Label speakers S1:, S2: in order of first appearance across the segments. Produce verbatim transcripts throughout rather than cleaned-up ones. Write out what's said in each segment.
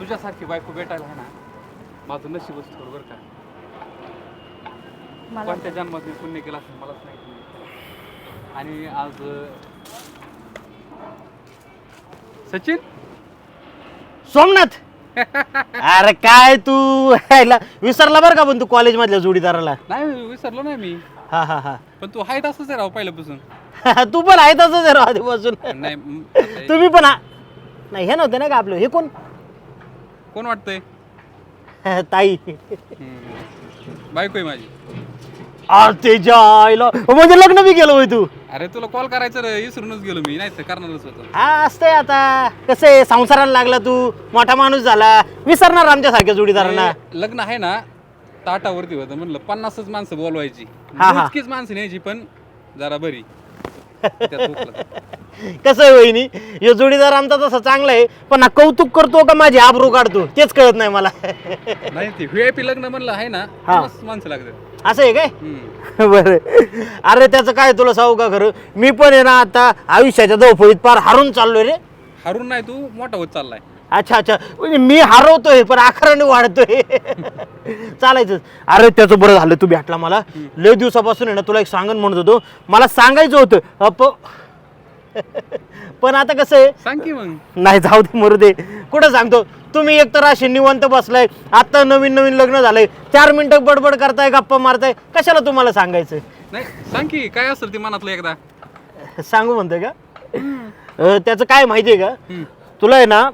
S1: तुझ्यासारखी बायको भेटायला आहे ना माझं नशीबच थोडं बरं का. कोणत्या जन्मात मी पुण्य केलं असं मलाच माहिती नाही. आणि आज सचिन
S2: सोमनाथ अरे काय तू ह्याला विसरला बरं का पण तू कॉलेज मधल्या जोडीदाराला.
S1: नाही विसरलो नाही मी,
S2: हा हा हा
S1: पण तू आहे तसंच आहे राव पहिल्यापासून.
S2: तू पण आहे तसंच आहे राव आधीपासून.
S1: नाही म, आता
S2: तुम्ही पण आ- नाही हे नव्हते ना का आपलं हे कोण
S1: कोण वाटतंय?
S2: ताई
S1: हम्म. बायको आहे माझी.
S2: अरे ते जायला म्हणजे लग्न बी केलं होय तू.
S1: अरे तुला कॉल करायचं रे, विसरूनच गेलो मी, नाही तर करणारच होतो.
S2: हा असतंय आता कसं आहे संसाराला लागला तू मोठा माणूस झाला विसरणार आमच्या सारख्या जोडीदारांना.
S1: ते लग्न आहे ना ताटावरती होतं, म्हणलं पन्नासच माणसं बोलवायची,
S2: हा, हा.
S1: इतकीच माणसं न्यायची पण जरा बरी. त्यात हुकलं.
S2: कसं आहे वहिनी हे जोडीदार आमचा तसा चांगला आहे पण हा कौतुक करतो का माझी आबरू काढतो तेच कळत नाही मला.
S1: नाही ते व्हीआयपी लग्न म्हणलं आहे ना
S2: हा.
S1: पन्नास माणसं लागतात.
S2: असं आहे काय
S1: हम्म.
S2: बरं अरे त्याचं काय तुला सांगू का खरं मी पण आहे ना आता आयुष्याच्या धावपळीत पार हारून चाललोय रे.
S1: हरून नाही तू मोठा होत चाललाय.
S2: अच्छा अच्छा म्हणजे मी हरवतोय पण आकाराने वाढतोय चालायचं. अरे त्याचं बरं झालं तू भेटला मला लय दिवसापासून आहे ना तुला एक सांगण म्हणत होतो मला सांगायचं होतं अप पण आता कसं आहे
S1: सांग की मग.
S2: नाही जाऊ दे मरू दे कुठं सांगतो तुम्ही एक तर असे निवांत बसलाय आता नवीन नवीन लग्न झालंय चार मिनिटं बडबड करताय गप्पा मारताय कशाला तुम्हाला सांगायचं.
S1: नाही सांग की काय असेल ते मनातलं एकदा.
S2: सांगू म्हणतोय का अं, त्याचं काय माहितीये का
S1: हम्म.
S2: तुला आहे ना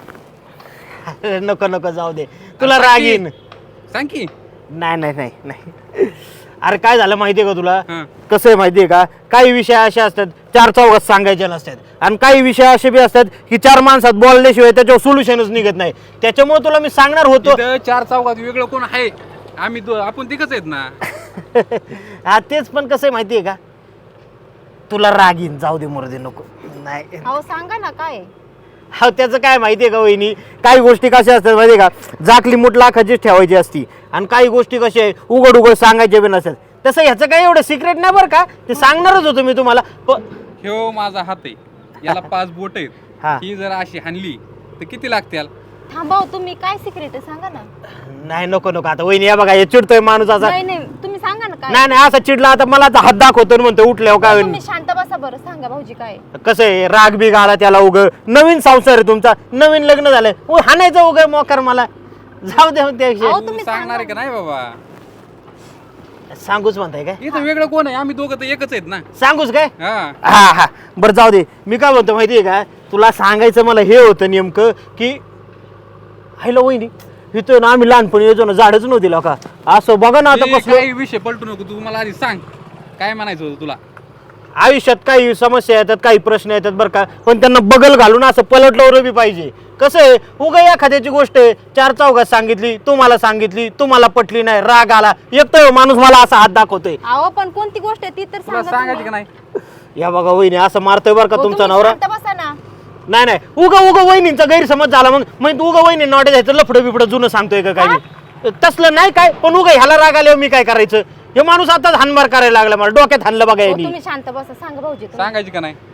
S2: नको नको जाऊ दे तुला
S1: सांग
S2: राग
S1: की.
S2: येईन.
S1: सांग की.
S2: नाही नाही नाही नाही अरे काय झालं माहितीये का तुला
S1: हा.
S2: कसं आहे माहितीये का काही विषय असे असतात चार चौघात सांगायचे नसतात आणि काही विषय असे बी असतात की चार माणसात बोलल्याशिवाय त्याच्यावर सोल्युशनच निघत नाही त्याच्यामुळे तुला मी सांगणार होतो.
S1: इथं चार चौकात वेगळं कोण आहे? आम्ही दो- आपण तिघच आहेत ना.
S2: हा तेच पण कसं आहे माहितीये का तुला राग येईन जाऊ दे मरू दे नको नाही.
S3: अहो सांगा ना काय.
S2: हा त्याचं काय माहितीये का वहिनी काही गोष्टी कशा असतात माहितीये का जाकली मूठ लाखाचीच ठेवायची असती आणि काही गोष्टी कशा आहे उघड उघड सांगायचे बी नसतात. तसं ह्याचं काही एवढं सिक्रेट नाही बरं का ते सांगणारच होतो मी तुम्हाला प-
S1: ह्यो माझा हात आहे, याला पाच बोट आहेत.
S2: हा.
S1: ही जर अशी हाणली तर किती लागतील?
S3: थांबा हो, तुम्ही काय सिक्रेट आहे सांगा ना.
S2: नाही नको नको आता वहिनी या बघा हे चिडतोय माणूस असा.
S3: नाही नाही तुम्ही सांगा ना काय.
S2: नाही नाही असा चिडला आता मला आता हात दाखवतो आणि म्हणतो उठल्यावर काय होईल.
S3: तुम्ही शांत बसा बरं सांगा भाऊजी काय.
S2: कसं आहे राग बी गाळा त्याला उग नवीन संसार आहे तुमचा नवीन लग्न झालंय उ हाणायचं उग मोकर मला जाऊ दे
S3: अहो,
S2: त्या
S1: तू
S3: तुम्ही
S1: सांगणार आहे
S3: सांगा.
S1: का नाही बाबा?
S2: सांगूच म्हणताय काय
S1: इथं वेगळं कोण आहे? आम्ही दोघं तर एकच आहेत ना.
S2: सांगूच काय
S1: हा.
S2: हा हा बरं जाऊ दे मी काय म्हणतो माहितीये का तुला सांगायचं मला हे होतं नेमकं की हॅलो वहिनी इथं ना आम्ही लहानपणी यायचो ना झाडच नव्हती का असं बघा ना आता
S1: ते
S2: कसं
S1: काही विषय पलटू नको, तू मला आधी सांग काय म्हणायचं होतं तुला.
S2: आयुष्यात काही समस्या येतात काही प्रश्न येतात बरं का पण त्यांना बगल घालून असं पलटलं बी पाहिजे. कसं आहे उगा एखाद्याची गोष्ट आहे चार चौघात सांगितली तुम्हाला सांगितली तुम्हाला पटली नाही राग आला एक तर माणूस मला असा हात दाखवतोय.
S3: अहो पण कोणती गोष्ट आहे ती तर
S1: तुला
S3: सांगा
S1: सांगायची का
S3: तुम्ही.
S1: नाही?
S2: या बघा वहिनी असं मारतोय बरं का
S3: हो,
S2: तुमचा
S3: तुम्ही
S2: नवरा.
S3: शांत बसा ना.
S2: नाही नाही उगा उगा वहिनींचा गैरसमज झाला मग मग उगा वहिनी नॉटे जायचं लफडं बिफडं जुनं सांगतोय का काय मी तसलं नाही काय पण उगा ह्याला राग आल्यावर मी काय करायचं हे माणूस आताच हानमार करायला लागला मला डोक्यात हाणलं बघा
S3: हो,
S2: यांनी.
S3: तुम्ही शांत बसा सांगा भाऊजी तुम्ही.
S1: सांगायची का नाही?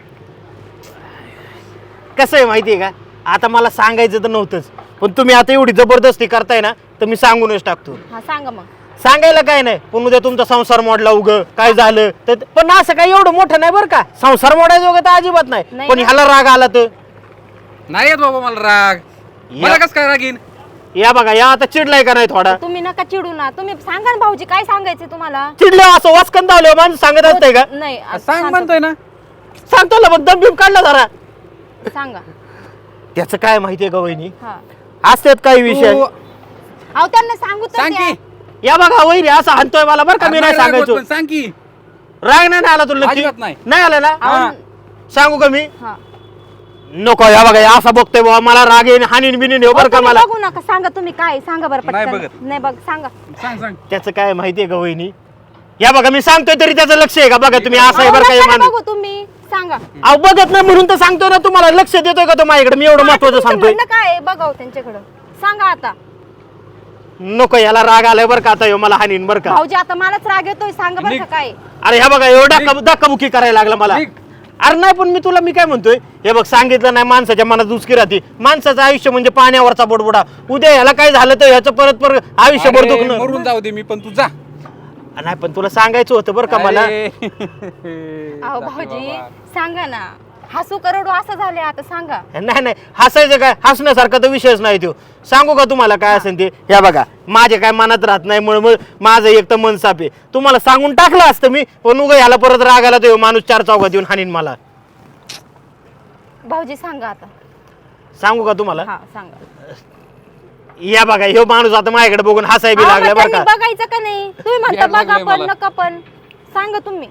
S2: कसं आहे माहितीये का आता मला सांगायचं तर नव्हतंच पण तुम्ही आता एवढी जबरदस्ती करताय ना तर मी सांगूनच टाकतो.
S3: हा सांगा मग.
S2: सांगायला काय नाही पण उद्या तुमचा संसार मोडला उग काय झालं तर पण असं काही एवढं मोठं नाही बरं का संसार मोडायचं वगैरे तर अजिबात नाही
S3: नाही
S2: पण
S3: ना?
S2: ह्याला राग आला तर
S1: नाही येत बाबा मला राग. मला
S2: या-
S1: कस काय राग येईन?
S2: या बघा या आता चिडलाय का नाही थोडा
S3: तुम्ही नका चिडू ना तुम्ही सांगा ना भाऊजी काय सांगायचं तुम्हाला.
S2: चिडलं असं वाचकन धावलं माणूस सांगत असतंय का
S3: नाही आ-
S1: सांग
S3: शांत-
S1: म्हणतोय ना.
S2: सांगतो ना पण दम बिम काढला जरा.
S3: सांगा.
S2: त्याचं काय माहितीये का वहिनी
S3: हा
S2: असतात काही विषय
S1: तू
S3: अहो त्यांना सांगू तर
S1: सांग
S3: द्या.
S1: की.
S2: या बघा वहिनी असं हाणतोय मला बरं का मी नाही
S1: राग होत
S2: सांगायचो
S1: पण सांग की.
S2: राग नाही ना आला तुला नक्की?
S1: अजिबात नाही.
S2: नाही आला ना
S3: अहो,
S1: हा.
S2: सांगू का मी
S3: हा.
S2: नको या बघा या असा बघतोय बाबा मला राग येईन हानीन बिनीन येऊ बरं का
S3: तुम्ही
S2: मला
S3: बघू नका सांगा तुम्ही काय सांगा बरं
S1: नाही
S3: पटकन.
S1: बघत.
S3: नाही बघ सांगा.
S1: सांग सांग.
S2: त्याचं काय माहितीये का वहिनी या बघा मी सांगतोय तरी त्याचं लक्ष आहे का बघा तुम्ही असं आहे
S3: अहो,
S2: बरं का हे
S3: नका ना
S2: माणूस
S3: बघू तुम्ही सांगा.
S2: अहो बघत नाही म्हणून तर सांगतोय ना तुम्हाला लक्ष देतोय का तो माझ्याकडे मी एवढं महत्वाचं
S3: तुमचं
S2: सांगतोय
S3: म्हणणं काय आहे? बघाव त्यांच्याकडं सांगा आता.
S2: नको याला राग आलाय बरं का आता ह्यो मला हानीन बरं का
S3: भाऊजी आता मलाच राग येतोय सांगा बरं का
S1: निघ.
S3: काय.
S2: अरे ह्या बघा एवढा धक्काबुक्की करायला लागला मला
S1: निघ.
S2: अरे नाही पण मी तुला मी काय म्हणतोय हे बघ सांगितलं नाही माणसाच्या मनात उचकी राहते माणसाचं आयुष्य म्हणजे पाण्यावरचा बोडबोडा उद्या ह्याला काय झालं तर ह्याचं परत परत आयुष्यभर
S1: अरे,
S2: दुखणं
S1: मरून जाऊ दे मी पण तू जा
S2: नाही पण तुला सांगायचं होतं बरं का मला
S1: अरे.
S3: अहो
S1: जाते
S3: भाऊजी
S1: बाबा.
S3: सांगा ना हसू करोडू असं झाले आता सांगा
S2: नाही नाही हसायचं काय हसण्यासारखा तर विषयच नाही तो सांगू का तुम्हाला काय असेल ते या बघा माझे काय मनात राहत नाही म्हणून माझं एक तर मन साफ आहे तुम्हाला सांगून टाकलं असतं मी पण उगा ह्याला परत रागाला तो माणूस चार चौकात येऊन हाणीन मला
S3: भाऊजी सांगा आता
S2: सांगू का तुम्हाला
S3: हा सांगा
S2: या बघा ह्यो माणूस आता माझ्याकडे बघून हसाय बी
S3: अहो,
S2: लागला
S3: मग
S2: बरं
S3: त्यांनी
S2: का
S3: बघायचं का नाही तुम्ही म्हणता
S1: याड
S3: बघा
S1: लागलंय
S3: पण
S1: मला.
S3: नका पण सांगा तुम्ही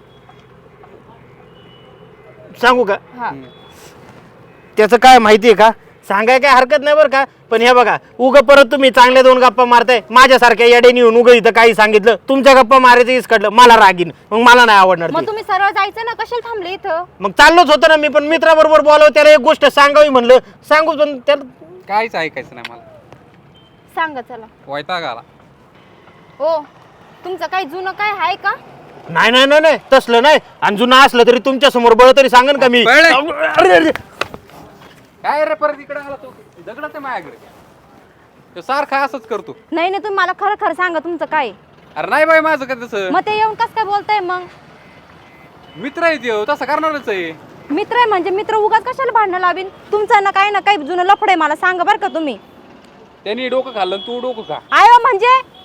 S2: सांगू का
S3: हा
S2: त्याचं काय माहितीये का सांगाय काय हरकत नाही बरं का पण हे बघा उग परत तुम्ही चांगल्या दोन गप्पा मारताय माझ्यासारख्या येडेनी येऊन उग इथं काही सांगितलं तुमच्या गप्पा मारायचं इसकडलं मला रागीन मग मला नाही आवडणार
S3: मग
S2: ते.
S3: तुम्ही सरळ जायचं ना कशाला थांबले इथं
S2: मग चाललोच होतं ना मी पण मित्राबरोबर बोलावं त्याला एक गोष्ट सांगावी म्हणलं सांगू पण त्याला
S1: काहीच ऐकायचं नाही मला
S3: सांगा चला
S1: वैताग आला
S3: ओ तुमचं काही जुनं काय आहे का
S2: नाही नाही नाही नाही तसलं नाही आणि जुनं असलं तरी तुमच्या समोर बळ तरी सांगन का मी
S1: बळं.
S2: अरे, अरे.
S1: काय रे परत इकडे आला तो दगडाच आहे माझ्याकडे तो सारखा असंच करतो
S3: नाही नाही तुम्ही मला खरं खरं सांगा तुमचं काय
S1: अरे नाही बाई माझं काय तसं
S3: मग ते येऊन कस काय बोलताय मग
S1: मित्र आहे त्यो तसं करणारच आहे
S3: मित्र आहे म्हणजे मित्र उगाच कशाला भांडणं लावीन तुमचं ना काही ना काही जुनं लफड आहे मला सांगा बरं का तुम्ही
S1: त्यांनी डोकं खाल्लं आणि तू डोकं खा
S3: आयो म्हणजे